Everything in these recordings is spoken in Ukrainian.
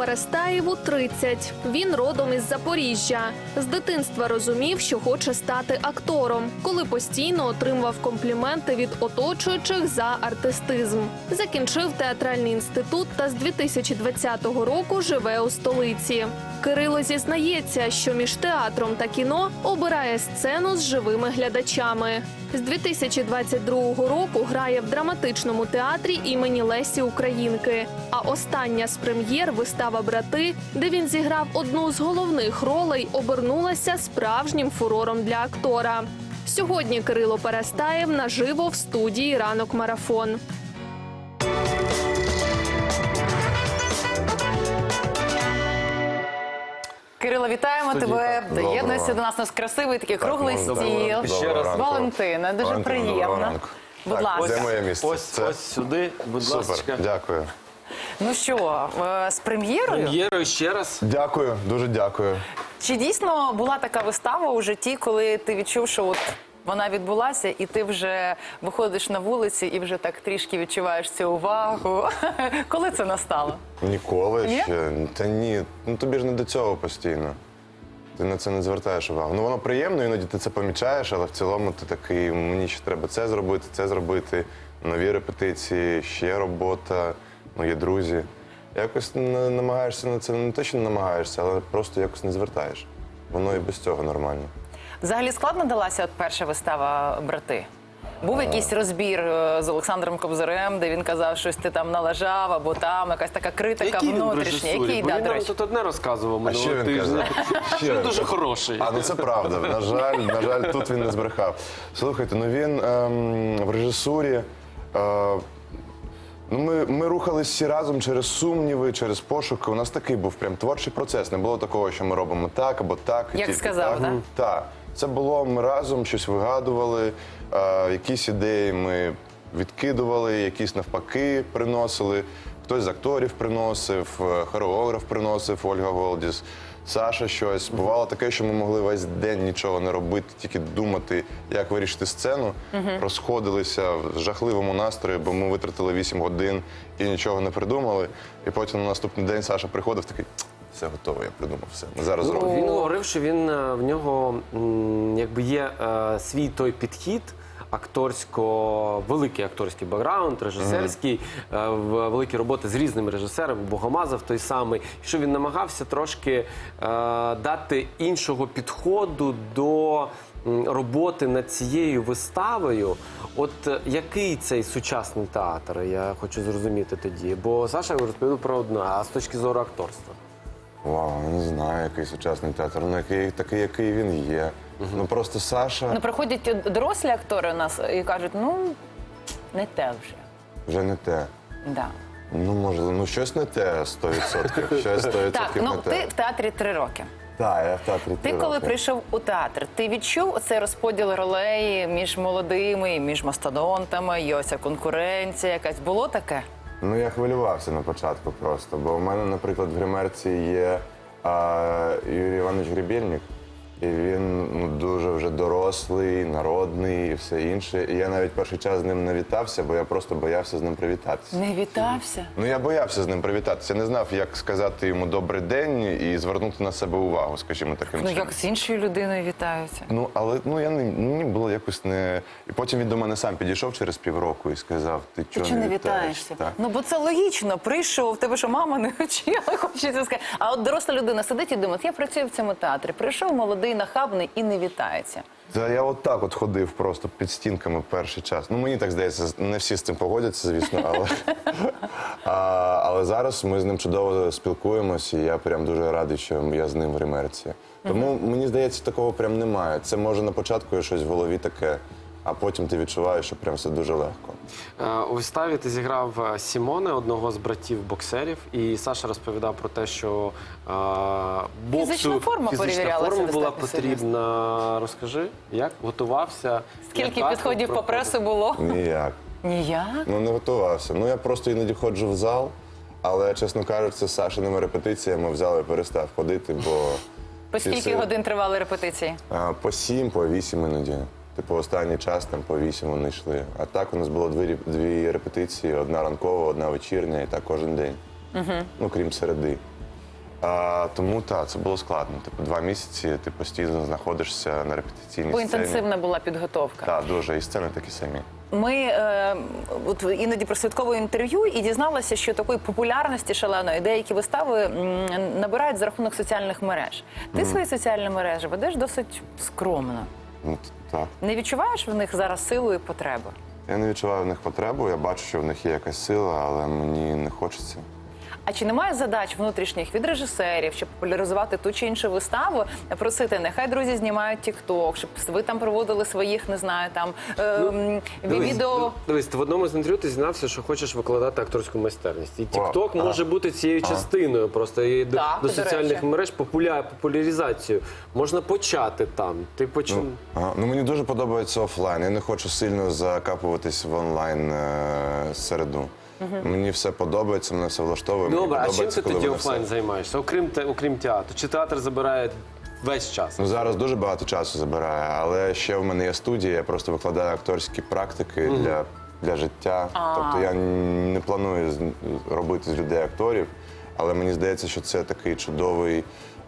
Перестаєву 30. Він родом із Запоріжжя. З дитинства розумів, що хоче стати актором, коли постійно отримував компліменти від оточуючих за артистизм. Закінчив театральний інститут та з 2020 року живе у столиці. Кирило зізнається, що між театром та кіно обирає сцену з живими глядачами. З 2022 року грає в драматичному театрі імені Лесі Українки. А остання з прем'єр вистава «Брати», де він зіграв одну з головних ролей, обернулася справжнім фурором для актора. Сьогодні Кирило Перестаєв наживо в студії «Ранок Марафон». Кирило, вітаємо тебе. Доєднуйся до нас. У нас красивий такий круглий стіл. Ще раз. Валентина, дуже приємно. Будь ласка. Де моє місце? Ось сюди, будь ласка. Супер, дякую. Ну що, з прем'єрою? Прем'єрою ще раз. Дякую, дуже дякую. Чи дійсно була така вистава у житті, коли ти відчув, що от вона відбулася, і ти вже виходиш на вулиці і вже так трішки відчуваєш цю увагу? Коли це настало? Ніколи Ні? ще. Та ні, ну тобі ж не до цього постійно. Ти на це не звертаєш увагу. Ну воно приємно, іноді ти це помічаєш, але в цілому ти такий, мені ще треба це зробити, нові репетиції, ще робота, мої друзі. Якось намагаєшся на це, не те, що не намагаєшся, але просто якось не звертаєш. Воно і без цього нормально. Взагалі складно далася от перша вистава «Брати»? Був якийсь розбір з Олександром Кобзарем, де він казав, щось ти там налажав, або там якась така критика внутрішня. Який, Бо да, він до нам речі. тут одне розказував А що минулого він казав? тижня. Він дуже хороший. А, ну це правда. На жаль, тут він не збрехав. Слухайте, ну він в режисурі. Ну, ми рухались всі разом через сумніви, через пошуки. У нас такий був прям творчий процес. Не було такого, що ми робимо так або так. і Як тільки сказав, так. да? Так. Це було, ми разом щось вигадували, якісь ідеї ми відкидували, якісь навпаки приносили. Хтось з акторів приносив, хореограф приносив, Ольга Голдіс, Саша щось. Бувало таке, що ми могли весь день нічого не робити, тільки думати, як вирішити сцену. Розходилися в жахливому настрої, бо ми витратили 8 годин і нічого не придумали. І потім на наступний день Саша приходив такий, все готово, я придумав все. Ми зараз зробимо. Він говорив, що в нього якби є свій той підхід, великий акторський бекграунд, режисерський, великі роботи з різними режисерами, Богомазов той самий, що він намагався трошки дати іншого підходу до роботи над цією виставою. От який цей сучасний театр, я хочу зрозуміти тоді, бо Саша розповів про одне, а з точки зору акторства? Вау, не знаю, який сучасний театр, ну такий, який він є. Ну просто Саша Ну, приходять дорослі актори у нас і кажуть, ну, не те вже. вже не те. Да. Ну, можливо, ну щось не те 100%. Щось 100% Так, ну не те. ти в театрі 3 роки. Так, я в театрі Ти 3 коли роки. прийшов у театр, ти відчув оцей розподіл ролей між молодими, і між мастодонтами, і ось ця конкуренція якась? Було таке? Ну, я хвилювався на початку просто, бо у мене, наприклад, в гримерці є Юрій Іванович Гребельник, і він дуже вже дорослий, народний і все інше. І я навіть перший час з ним не вітався, бо я просто боявся з ним привітатися. Не вітався? Ну, я боявся з ним привітатися. Я не знав, як сказати йому «добрий день» і звернути на себе увагу, скажімо, таким Ну, чином. як з іншою людиною вітаються? Ну, але мені було якось не... І потім він до мене сам підійшов через півроку і сказав, ти Ти чого чого не не вітаєшся? вітаєшся? Так. Ну, бо це логічно. Прийшов, в тебе що, мама не вчила, хочеться сказати. А от доросла людина сидить і думає, я працюю в цьому театрі. Прийшов молодий, нахабний і не вітається. Та я от так от ходив просто під стінками перший час. Ну, мені так здається, не всі з цим погодяться, звісно, але зараз ми з ним чудово спілкуємося, і я прям дуже радий, що я з ним в гримерці. Тому, мені здається, такого прям немає. Це може на початку є щось в голові таке, а потім ти відчуваєш, що прям все дуже легко. У виставі ти зіграв Сімоне, одного з братів-боксерів, і Саша розповідав про те, що боксу... Фізична форма перевірялася форма була достатньо потрібна. Розкажи, як готувався? Скільки як підходів по проходив? пресу було? Ніяк. Ніяк. Ну, не готувався. Ну, я просто іноді ходжу в зал, але, чесно кажучи, з Сашиними репетиціями в зал я перестав ходити, бо... По скільки Після- годин тривали репетиції? По 7, по 8 іноді. Типу, останній час там по 8 вони йшли. А так у нас було дві репетиції, одна ранкова, одна вечірня, і так кожен день. Ну, крім середи. Тому так, це було складно. Типу, 2 місяці ти постійно знаходишся на репетиційній Бо сцені. інтенсивна була підготовка. Так, дуже. І сцени такі самі. Ми от іноді прослідковуємо інтерв'ю і дізналася, що такої популярності шаленої деякі вистави набирають за рахунок соціальних мереж. Ти свої соціальні мережі ведеш досить скромно. Ну, так. Не відчуваєш в них зараз силу і потребу? Я не відчуваю в них потребу, я бачу, що в них є якась сила, але мені не хочеться. А чи немає задач внутрішніх від режисерів, щоб популяризувати ту чи іншу виставу, просити, нехай друзі знімають тік-ток, щоб ви там проводили своїх, не знаю, там відео. Дивись, ти в одному з інтерв'ю ти зізнався, що хочеш викладати акторську майстерність. І О, TikTok може бути цією частиною просто і Так, до до соціальних речі. мереж популяризацію. Можна почати там. Ти Ну, мені дуже подобається офлайн. Я не хочу сильно закапуватись в онлайн середу. Мені все подобається, мене все влаштовує. Мені Добре, а чим подобається, ти коли тоді воно все- офлайн займаєшся? Окрім театру. Чи театр забирає весь час? Ну, зараз дуже багато часу забирає, але ще в мене є студія, я просто викладаю акторські практики для життя. Тобто я не планую робити з людей акторів, але мені здається, що це такий чудовий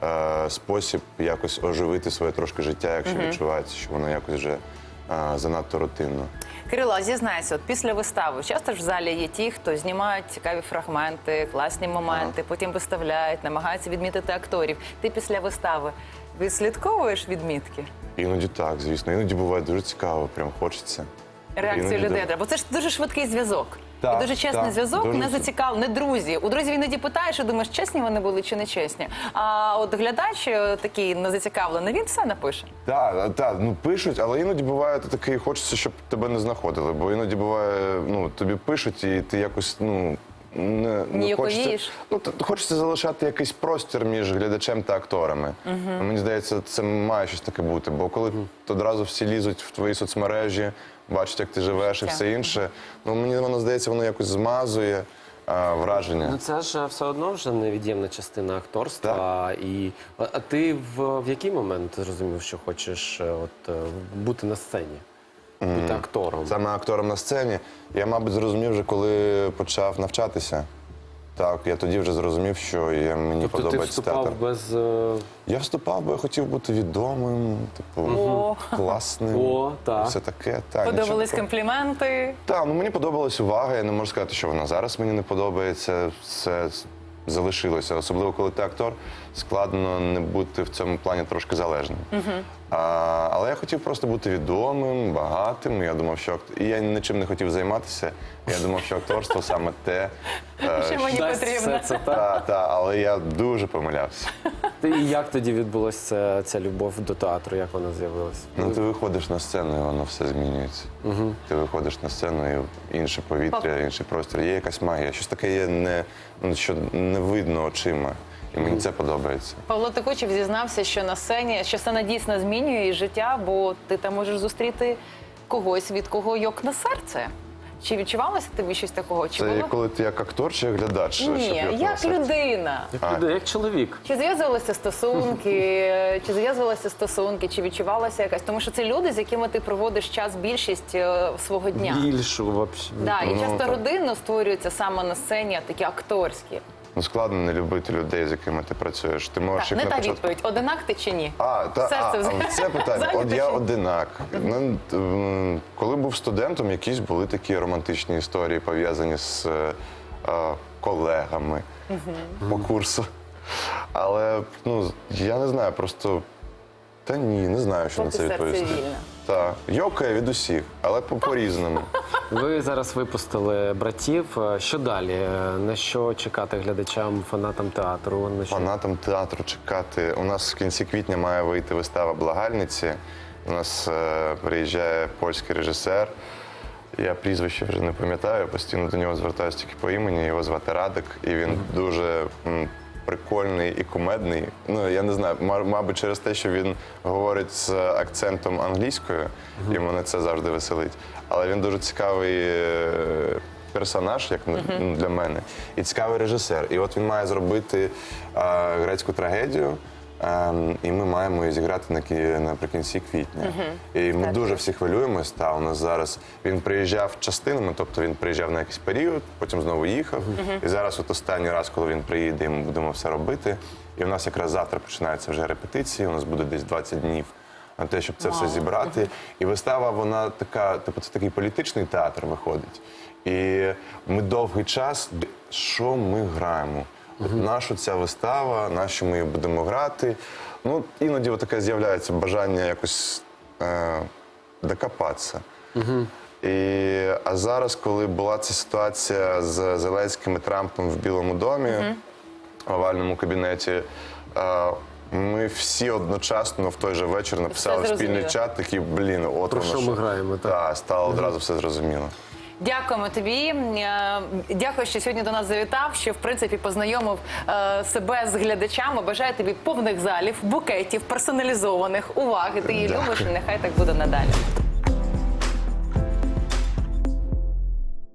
спосіб якось оживити своє трошки життя, якщо відчувається, що воно якось вже занадто рутинно. Кирило, зізнайся, от після вистави часто ж в залі є ті, хто знімають цікаві фрагменти, класні моменти, потім виставляють, намагаються відмітити акторів. Ти після вистави відслідковуєш відмітки? Іноді так, звісно. Іноді буває дуже цікаво, прям хочеться. Реакцію Іноді людей да. треба. Бо це ж дуже швидкий зв'язок. Так, І дуже чесний так, зв'язок, дуже не зацікавлений, не друзі. У друзів іноді питаєш і думаєш, чесні вони були чи не чесні. А от глядач такий незацікавлений, він все напише. Так, ну пишуть, але іноді буває ти такий, хочеться, щоб тебе не знаходили. Бо іноді буває, ну тобі пишуть, і ти якось, ну. Не хочеться, Ніяковієш? хочеться залишати якийсь простір між глядачем та акторами. Мені здається, це має щось таке бути. Бо коли одразу всі лізуть в твої соцмережі, бачать, як ти живеш і все інше, ну мені воно здається, воно якось змазує враження. Ну це ж все одно вже невід'ємна частина акторства. А ти в який момент зрозумів, що хочеш бути на сцені? Бути актором? Саме актором на сцені. Я, мабуть, зрозумів вже, коли почав навчатися. Так, я тоді вже зрозумів, що мені Тобто ти подобається театр. вступав без... Я вступав, бо я хотів бути відомим, класним. О, так. Все таке. Так, Подобались нічого. компліменти. Так, ну мені подобалась увага. Я не можу сказати, що вона зараз мені не подобається. Все залишилося. Особливо, коли ти актор, складно не бути в цьому плані трошки залежним. Але я хотів просто бути відомим, багатим. Я думав, що і я нічим не хотів займатися. Я думав, що акторство саме те. Що мені Дасть потрібно. все це, так? Але я дуже помилявся. І як тоді відбулася ця любов до театру? Як вона з'явилася? Ну, ти виходиш на сцену, і воно все змінюється. Ти виходиш на сцену, і інше повітря, інший простір. Є якась магія. Щось таке є, що не видно очима. І мені це подобається. Павло Текучев зізнався, що на сцені, що сцена дійсно змінює її життя, бо ти там можеш зустріти когось, від кого йокне серце. Чи відчувалося тобі щось такого? Чи Це було? коли ти як актор чи як глядач? щоб Ні, його як серце? людина. Як чоловік. Чи зв'язувалися стосунки, чи відчувалася якась? Тому що це люди, з якими ти проводиш час більшість свого дня. Більшу, взагалі. Да, і часто так. родинно створюються саме на сцені, а такі акторські. Ну, складно не любити людей, з якими ти працюєш. Ти можеш Так, їх не на та початку... відповідь. Одинак ти чи ні? Це питання. Зайнято От я чи ні? одинак. Коли був студентом, якісь були такі романтичні історії, пов'язані з колегами по курсу. Але, я не знаю, просто... Та ні, не знаю, що на Поки це серце відповісти. вільне. Так, йокає від усіх, але по-різному. Ви зараз випустили «Братів». Що далі? На що чекати глядачам, фанатам театру? На що? Фанатам театру чекати. У нас в кінці квітня має вийти вистава «Благальниці». У нас приїжджає польський режисер. Я прізвище вже не пам'ятаю, постійно до нього звертаюся тільки по імені. Його звати Радик, і він дуже прикольний і кумедний. Ну, я не знаю, мабуть, через те, що він говорить з акцентом англійською, і мене це завжди веселить. Але він дуже цікавий персонаж, як для мене, і цікавий режисер. І от він має зробити грецьку трагедію І ми маємо її зіграти наприкінці квітня. І ми дуже всі хвилюємось. Та у нас зараз він приїжджав частинами, тобто він приїжджав на якийсь період, потім знову їхав. І зараз, от останній раз, коли він приїде, і ми будемо все робити. І у нас якраз завтра починаються вже репетиції. У нас буде десь 20 днів на те, щоб це все зібрати. І вистава, вона така, типу, це такий політичний театр виходить. І ми довгий час, що ми граємо? Наша ця вистава, на що ми її будемо грати. Ну, іноді таке з'являється бажання якось докопатися. А зараз, коли була ця ситуація з Зеленським і Трампом в Білому домі, в овальному кабінеті, ми всі одночасно в той же вечір написали в спільний чат, такі, от Про воно що ми граємо, так? Так, стало одразу все зрозуміло. Дякуємо тобі. Дякую, що сьогодні до нас завітав, що в принципі познайомив себе з глядачами. Бажаю тобі повних залів, букетів, персоналізованих, уваги. Ти її любиш, і нехай так буде надалі.